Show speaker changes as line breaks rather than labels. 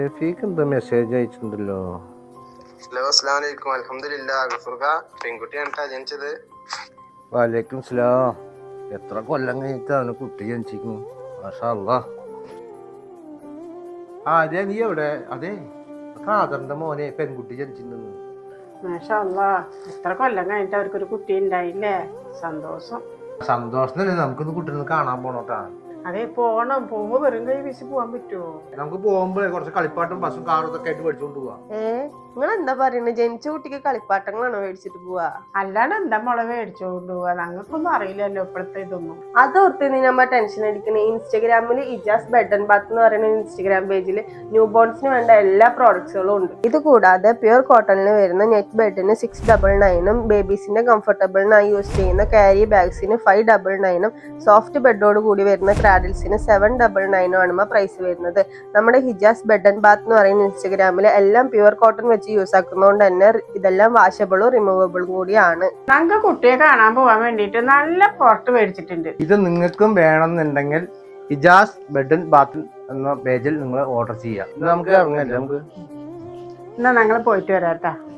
ഷെഫീക്ക് എന്താ message അയച്ചിട്ടുണ്ടല്ലോ?
Hello, അസ്സലാമു അലൈക്കും. അൽഹംദുലില്ലാ. ഗഫൂർക്ക പെൺകുട്ടിയാണ് ജനിച്ചത്.
വലൈക്കും സ്ലാം. എത്ര കൊല്ലം കഴിഞ്ഞിട്ടാണ് കുട്ടി ജനിച്ചിരിക്കുന്നു? മാഷാ അല്ലാഹ്. അതെ, നീ എവിടെ? അതെ, ഖാദറിന്റെ മോനെ പെൺകുട്ടി ജനിച്ചിട്ടുണ്ടെന്ന്.
മാഷാ അല്ലാഹ്. എത്ര കൊല്ലം കഴിഞ്ഞിട്ട് അവർക്കൊരു കുട്ടി ഉണ്ടായില്ലേ? സന്തോഷം.
സന്തോഷത്തിനല്ലേ നമുക്കിന്ന് കുട്ടീനെ കാണാൻ പോണോട്ടാ.
അതെ, പോണം. പോകുമ്പോ വെറും കൈ വീശി പോവാൻ പറ്റുമോ?
നമുക്ക് പോകുമ്പോഴേ കുറച്ച് കളിപ്പാട്ടും ബസ്സും കാറും ഇതൊക്കെ ആയിട്ട് മേടിച്ചോണ്ട് പോവാ.
നിങ്ങൾ എന്താ പറയുന്നത്? ജനിച്ച കുട്ടിക്ക് കളിപ്പാട്ടങ്ങളാണോ മേടിച്ചിട്ട് പോവാ?
അല്ലാണ്ട് എന്താ മുള മേടിച്ചോണ്ട് പോവാ? ഞങ്ങൾക്കൊന്നും അറിയില്ലല്ലോ ഇപ്പോഴത്തെ ഇതൊന്നും.
അതോർത്ത് നീ നമ്മ ടെൻഷൻ അടിക്കണേ. ഇൻസ്റ്റാഗ്രാമിൽ ഇജാസ് ബെഡ് ആൻഡ് ബാത്ത് എന്ന് പറയുന്ന ഇൻസ്റ്റാഗ്രാം പേജിൽ ന്യൂ ബോൺസിന് വേണ്ട എല്ലാ പ്രോഡക്ട്സുകളും ഉണ്ട്. ഇത് കൂടാതെ പ്യുർ കോട്ടണിൽ വരുന്ന നെറ്റ് ബെഡിന് 699ഉം ബേബീസിന്റെ കംഫർട്ടബിളിനായി യൂസ് ചെയ്യുന്ന ക്യാരി ബാഗ്സിന് 599ഉം സോഫ്റ്റ് ബെഡോട് കൂടി വരുന്ന ക്രാഡിൽസിന് 799ഉം ആണ് പ്രൈസ് വരുന്നത്. നമ്മുടെ ഹിജാസ് ബെഡ് ആൻഡ് ബാത്ത് എന്ന് പറയുന്ന ഇൻസ്റ്റാഗ്രാമിൽ എല്ലാം പ്യുർ കോട്ടൺ വെച്ച് യൂസ് ആക്കുന്നതുകൊണ്ട് തന്നെ ഇതെല്ലാം വാഷബിളും റിമൂവബിളും കൂടിയാണ്.
ഞങ്ങൾക്ക് കുട്ടിയെ കാണാൻ പോവാൻ വേണ്ടിട്ട് നല്ല പുറത്ത് മേടിച്ചിട്ടുണ്ട്.
ഇത് നിങ്ങൾക്കും വേണമെന്നുണ്ടെങ്കിൽ ഇജാസ് ബെഡ് ആൻഡ് ബാത്ത് എന്ന പേജിൽ നിങ്ങൾ ഓർഡർ ചെയ്യാം. നമുക്ക് ഇറങ്ങല്ലേ? നമുക്ക്
എന്നാ ഞങ്ങൾ പോയിട്ട് വരാട്ടാ.